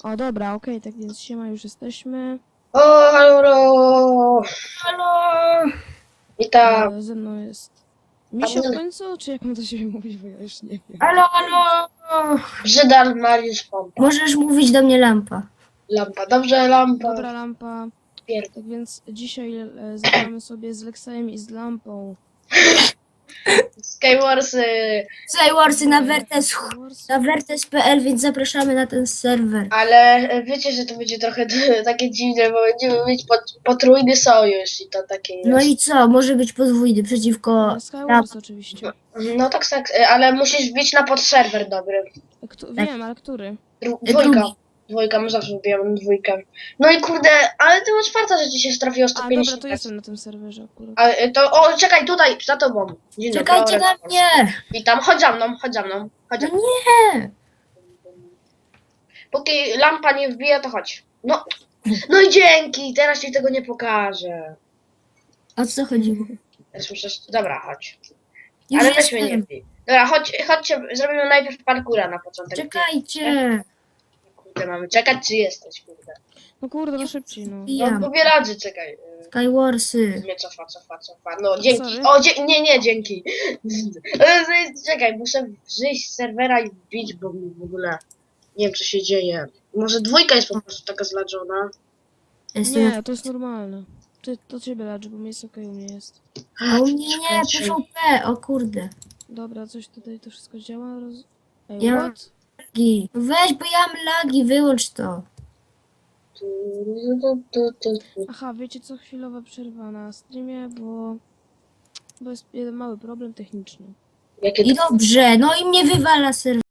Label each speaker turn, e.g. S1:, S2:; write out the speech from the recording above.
S1: O, dobra, okej, tak więc siema, już jesteśmy.
S2: O, halo! Halo! Witam.
S1: Ze mną jest Misio w końcu, czy jak mam do siebie mówić, bo ja już nie wiem.
S3: Halo, halo!
S2: Brzydal Mariusz Pompa.
S3: Możesz mówić do mnie lampa.
S2: Lampa, dobrze, lampa.
S1: Dobra, lampa.
S2: Pierd-
S1: Tak więc dzisiaj zagramy sobie z Lexajem i z lampą.
S2: Skywarsy.
S3: Skywarsy na Vertes,
S1: Wars.
S3: na Vertes.pl, więc zapraszamy na ten serwer.
S2: Ale wiecie, że to będzie trochę takie dziwne, bo będziemy mieć potrójny sojusz i to takie jest.
S3: No i co? Może być podwójny przeciwko...
S1: Skywars oczywiście.
S2: No tak, ale musisz wbić na podserwer dobry.
S1: Wiem, ale który?
S2: Dwójka.
S3: Drugi.
S2: Dwójka, my zawsze wbijamy dwójkę. No i kurde, ale ty masz farta, że ci się trafiło
S1: A, dobra,
S2: 150.
S1: to jestem na tym serwerze akurat.
S2: O, czekaj, tutaj, za tobą. Dzień dobry,
S3: Czekajcie na
S2: Orek.
S3: mnie!
S2: Witam, chodź za mną, chodź za mną. Chodź za
S3: No
S2: mną.
S3: nie!
S2: Póki lampa nie wbija, to chodź. No, no i dzięki, teraz ci tego nie pokażę.
S3: O co chodziło?
S2: Teraz muszę... Dobra, chodź.
S3: Już
S2: Ale weźmy nie
S3: jestem.
S2: wbij. Dobra, chodźcie, zrobimy najpierw parkura na początek.
S3: Czekajcie!
S2: Kurde, mamy czekać, czy jesteś, kurde.
S1: No kurde, no szybciej, no.
S2: No,
S3: Wbijam.
S2: pobieraczy, czekaj.
S3: Skywarsy.
S2: Nie, cofa. No, dzięki.
S1: Sorry.
S2: O, nie, dzięki. Czekaj, muszę wyjść z serwera i wbić, bo mi w ogóle nie wiem, co się dzieje. Może dwójka jest po prostu taka zladżona.
S3: Jestem...
S1: Nie, to jest normalne. To ciebie ladzi, bo mi jest okej, u mnie jest.
S3: A u mnie nie, PvP, o kurde.
S1: Dobra, coś tutaj to wszystko działa. Ej,
S3: Ja-
S1: what?
S3: Lagi. Weź, bo ja mam lagi, wyłącz to.
S1: Aha, wiecie co? Chwilowa przerwa na streamie, bo jest jeden mały problem techniczny.
S2: Jakie
S3: I dobrze, no i mnie wywala serwer.